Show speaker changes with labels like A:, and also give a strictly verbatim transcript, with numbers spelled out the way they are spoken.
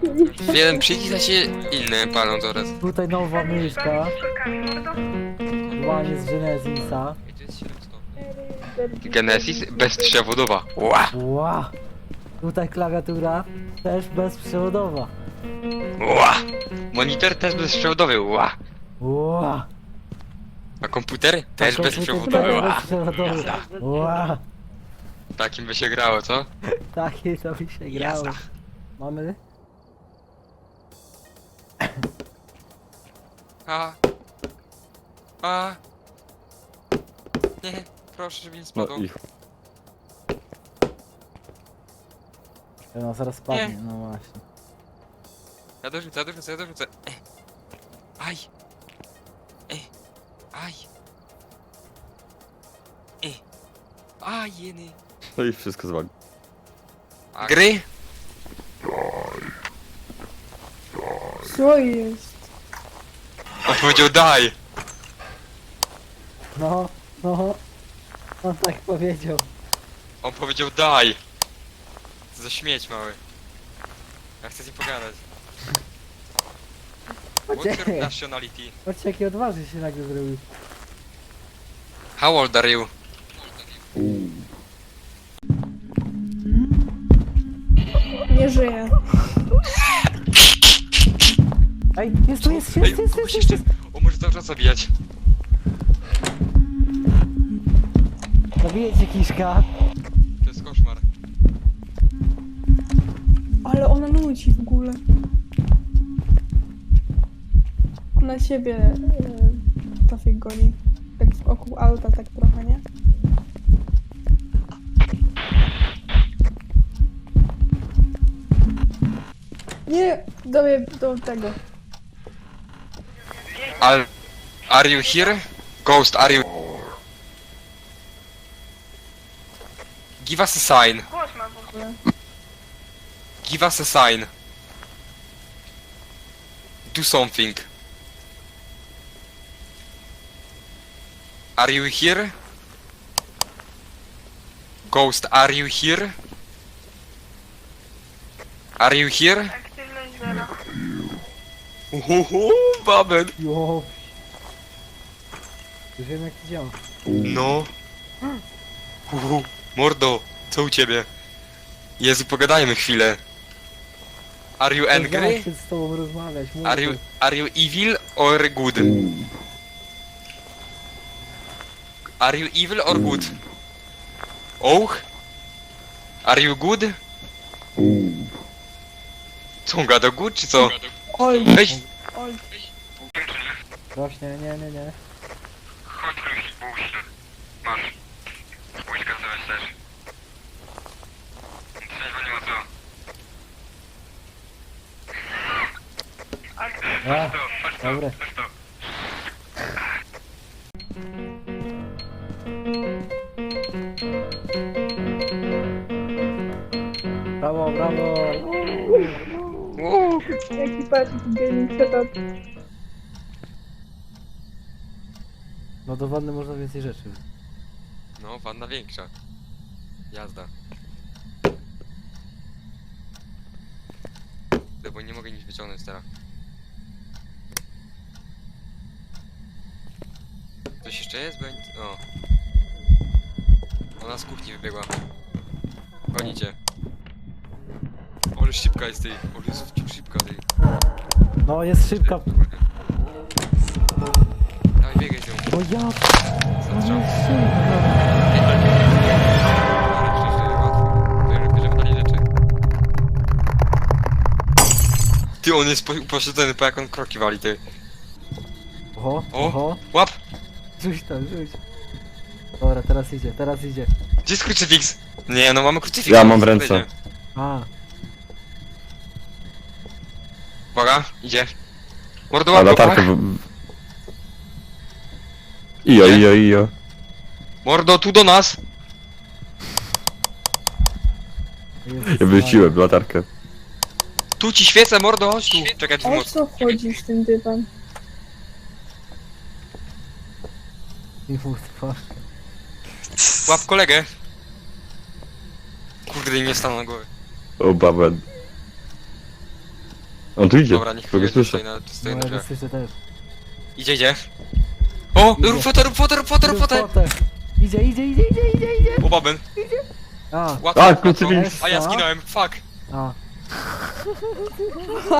A: Jeden przycisk, a się inne palą zaraz.
B: Tutaj nowa myszka. Łanie z Genesisa.
A: Genesis bezprzewodowa. Ła!
B: Ła! Tutaj klawiatura też bezprzewodowa.
A: Ła! Monitor też bezprzewodowy. Ła!
B: Ła!
A: A komputer też
B: Komputer
A: bezprzewodowy.
B: też
A: Ła!
B: bezprzewodowy. Ła!
A: Takim by się grało, co?
B: Takie to by się grało.
A: Jazda.
B: Mamy?
A: A. A. Nie, proszę, żeby nie
C: No
A: spadł.
C: i
B: No zaraz spadnie, no właśnie.
A: Ja dorzucę, ja dorzucę, ja dorzucę. Eh. Aj. Eh. Aj. Eh. Aj, jeny.
C: no i wszystko zwali.
A: A gry?
D: Co jest?
A: On powiedział daj.
B: No, no. On tak powiedział.
A: On powiedział daj. Co za śmieć mały. Ja chcę z nim pogadać. What's your nationality?
B: Patrzcie jaki odważny się nagle zrobił.
A: How old are you?
D: Nie żyje.
B: Ej, jest tu, jest,
A: Ej,
B: jest, jest,
A: kogoś
B: jest, jest,
A: jeszcze... O, może cały czas zabijać.
B: Zabiję cię kiszka.
A: To jest koszmar.
D: Ale ona nudzi w ogóle. Ona ciebie e, trafik goni. Tak wokół auta, tak trochę, nie? Nie, do mnie, do tego.
A: Are, are you here? Ghost, are you... Give us a sign.
D: Głos ma w ogóle.
A: Give us a sign. Do something. Are you here? Ghost, are you here? Are you here?
D: Aktywność zero.
A: Uhuhu, babel.
B: Jo. Już wiem jak to działa.
A: No. Uhu, mordo, co u ciebie? Jezu, pogadajmy chwilę. Are you angry?
B: Chcę z tobą rozmawiać. mów
A: Are you,
B: tu.
A: are you evil or good? Are you evil or good? Oh? Are you good? Co on gada, good czy co?
D: Oj,
A: Weź!
D: oj.
B: Rośnie, nie, nie, nie.
A: Chodź trochę buźny. Masz. Buźka co myślisz? Trzeźwo nie ma co.
B: A, dobre.
A: Chodź to.
B: Brawo, brawo.
D: Jaki patrz, gaming setup.
B: No do wanny można więcej rzeczy.
A: No, wanna większa. Jazda. No bo nie mogę nic wyciągnąć teraz. Coś jeszcze jest? Bo ja nic... O. Ona z kuchni wybiegła. Gonicie. Ale szybka jest tej. Ale jest szybka tej.
B: No jest szybka.
A: Dawaj, biegaj z nią.
B: No ja. No
A: Zastrzał.
B: jest szybka.
A: Bierzemy dalej rzeczy. Ty, on jest po- poszedł po jak on kroki wali, ty.
B: Oho,
A: O.
B: oho.
A: Łap!
B: Rzuć tam, rzuć. Dobra, teraz idzie, teraz idzie.
A: Gdzie jest krucyfiks? Nie, no mamy krucyfiks.
C: Ja mam w ręce.
B: A,
A: Uwaga, idzie. Mordo,
C: A
A: łap go,
C: latarkę
A: pach.
C: w... Ijo,
A: Nie?
C: ijo, ijo.
A: Mordo, tu do nas.
B: jest
C: Ja wyrzuciłem latarkę.
A: Tu ci świecę, mordo, chodź tu. Czekaj, tu
D: O
A: moc.
D: co chodzisz tym dywan?
B: I mów twarz.
A: Łap kolegę. Kurde, nie stanę na głowie.
C: O, babę. On tu idzie.
A: Dobra, niech
C: Kogo
A: jedzie,
C: słyszę?
A: stoi na, stoi
B: No,
A: na
B: ja go
A: drzwiach.
B: słyszę też.
A: Idzie, idzie. O,
B: Idzie.
A: rób fotę, rób fotę, rób fotę, rób
B: Rób
A: fotę!
B: fotę. Idzie, idzie, idzie, idzie, idzie, idzie.
A: O, baben.
B: A,
A: Łatwo,
C: A,
A: łatwo.
C: kluczyki.
A: A ja zginąłem, fuck.
B: a.